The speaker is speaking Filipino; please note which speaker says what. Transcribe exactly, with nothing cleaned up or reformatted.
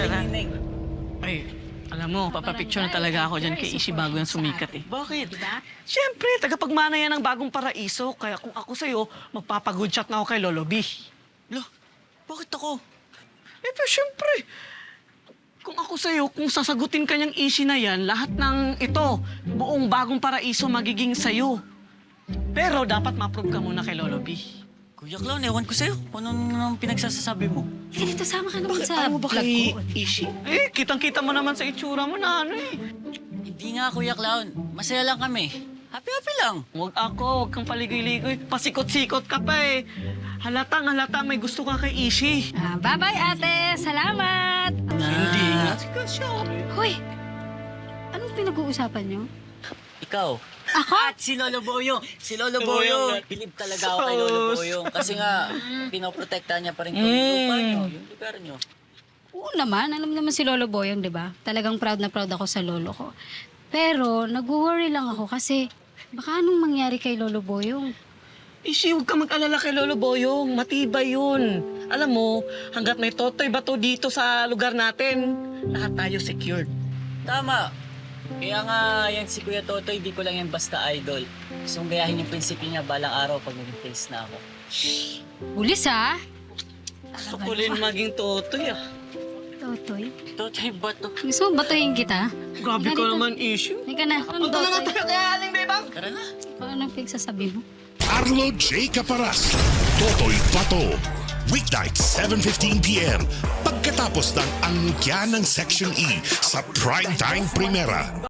Speaker 1: Tara.
Speaker 2: Nineng.
Speaker 1: Ay, alam mo, papapicture na talaga ako dyan kay Ishi bago yan sumikat eh.
Speaker 2: Bakit?
Speaker 1: Siyempre, tagapagmana yan ng bagong paraiso. Kaya kung ako sa'yo, magpapagood shot na ako kay Lolo B.
Speaker 2: Lo, bakit ako?
Speaker 1: Eh, pero siyempre, kung ako sa'yo, kung sasagutin ka niyang Ishi na yan, lahat ng ito, buong bagong paraiso magiging sa'yo. Pero dapat ma-prove ka muna kay Lolo B.
Speaker 2: Kuya Clown, ewan ko sa'yo. Kung ano nang pinagsasasabi mo.
Speaker 3: Eh, dito, sama ka naman
Speaker 1: Bakit
Speaker 3: sa
Speaker 1: ayaw mo ba
Speaker 3: vlog
Speaker 1: kay
Speaker 3: ko.
Speaker 1: Ishi? Eh, kitang-kita mo naman sa itsura mo na ano eh.
Speaker 2: Hindi nga, Kuya Clown. Masaya lang kami. Happy-happy lang.
Speaker 1: Huwag ako, huwag kang paligoy-ligoy. Pasikot-sikot ka pa eh. Halatang halata may gusto ka kay Ishi.
Speaker 3: Ah, bye-bye, ate. Salamat.
Speaker 1: Hindi nga. Sige siya.
Speaker 3: Hoy, anong pinag-uusapan niyo?
Speaker 2: Ikaw.
Speaker 3: Ako?
Speaker 2: At si Lolo Boyong. Si Lolo Boyong. Bilib talaga ako kay Lolo Boyong. Kasi nga, pinoprotektahan niya pa rin yung
Speaker 1: Mm.
Speaker 2: lupa niyo, yung lugar niyo.
Speaker 3: Oo naman. Alam naman si Lolo Boyong, di ba? Talagang proud na proud ako sa lolo ko. Pero, nag-worry lang ako kasi baka anong mangyari kay Lolo Boyong?
Speaker 1: Ishi, huwag ka mag-alala kay Lolo Boyong. Matibay yun. Alam mo, hanggat may totoy bato dito sa lugar natin, lahat tayo secured.
Speaker 2: Tama. Kaya nga, yan si Kuya Totoy, di ko lang yan basta idol. Gusto kong gayahin yung prinsipyo niya balang araw pag naging face na ako.
Speaker 3: Bulis, ha?
Speaker 1: Gusto ko rin maging totoy ah.
Speaker 3: Totoy.
Speaker 2: Totoy ba to?
Speaker 3: Gusto mo batuhin kita?
Speaker 1: Grabe
Speaker 3: Halika
Speaker 1: ka
Speaker 3: dito.
Speaker 1: naman, Ishi.
Speaker 3: Halika na. Anong
Speaker 1: Punta na nga
Speaker 3: Totoy?
Speaker 1: tayo kay Aling Bebang.
Speaker 2: Tara na.
Speaker 3: Anong pinagsasabi mo?
Speaker 4: Arlo J. Caparas, Totoy Pato. Weeknight, seven fifteen p m Pagkatapos ng angkya ng Section E sa Primetime Primera.